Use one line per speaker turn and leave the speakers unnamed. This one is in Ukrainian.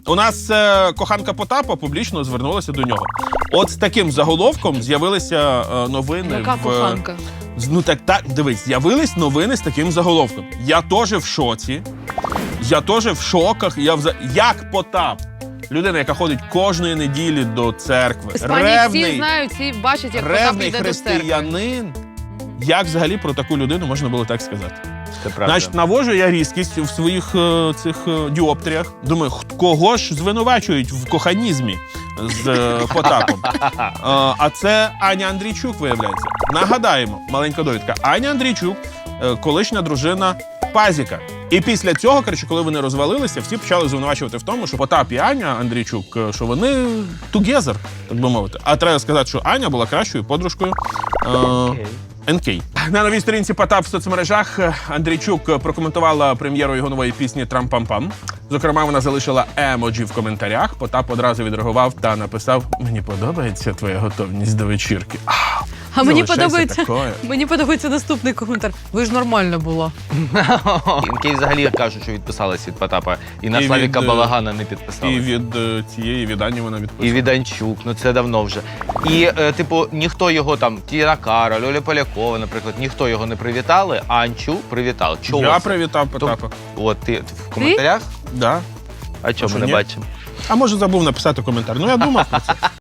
У нас коханка Потапа публічно звернулася до нього. От з таким заголовком з'явилися новини.
Яка коханка?
Ну так, дивись, з'явились новини з таким заголовком. Я теж в шоці, я теж в шоках. Як Потап, людина, яка ходить кожної неділі до церкви,
Іспанії всі знають, всі бачать, як Потап
ревний
йде до церкви.
християнин. Як взагалі про таку людину можна було так сказати?
Це правда.
Значить, навожу я різкість в своїх цих діоптріях. Думаю, кого ж звинувачують в коханізмі з Потапом? А це Аня Андрійчук, виявляється. Нагадаємо, маленька довідка. Аня Андрійчук, колишня дружина Пазіка. І після цього, коротше, коли вони розвалилися, всі почали звинувачувати в тому, що Потап і Аня Андрійчук, що вони together, так би мовити. А треба сказати, що Аня була кращою подружкою НК. На новій сторінці Потап в соцмережах Андрійчук прокоментувала прем'єру його нової пісні «Трам-пам-пам». Зокрема, вона залишила емоджі в коментарях. Потап одразу відреагував та написав: «Мені подобається твоя готовність до вечірки».
А мені
Залишайся
мені подобається наступний коментар. Ви ж нормально була.
Інкей взагалі кажуть, що відписалась від Потапа. І на
І
Славіка
від,
Балагана не
І
підписалась.
від цієї віддані вона
І
відписала.
від Анчук, ну це давно вже. І, типу, ніхто його там, Тіна Кароль, Оля Полякова, наприклад, ніхто його не привітали, а Анчук привітав. Чого
Я
це?
привітав Потапа.
От ти в коментарях?
Да.
А чому
що,
ми не
ні?
бачимо?
А може забув написати коментар. Ну я думав про це.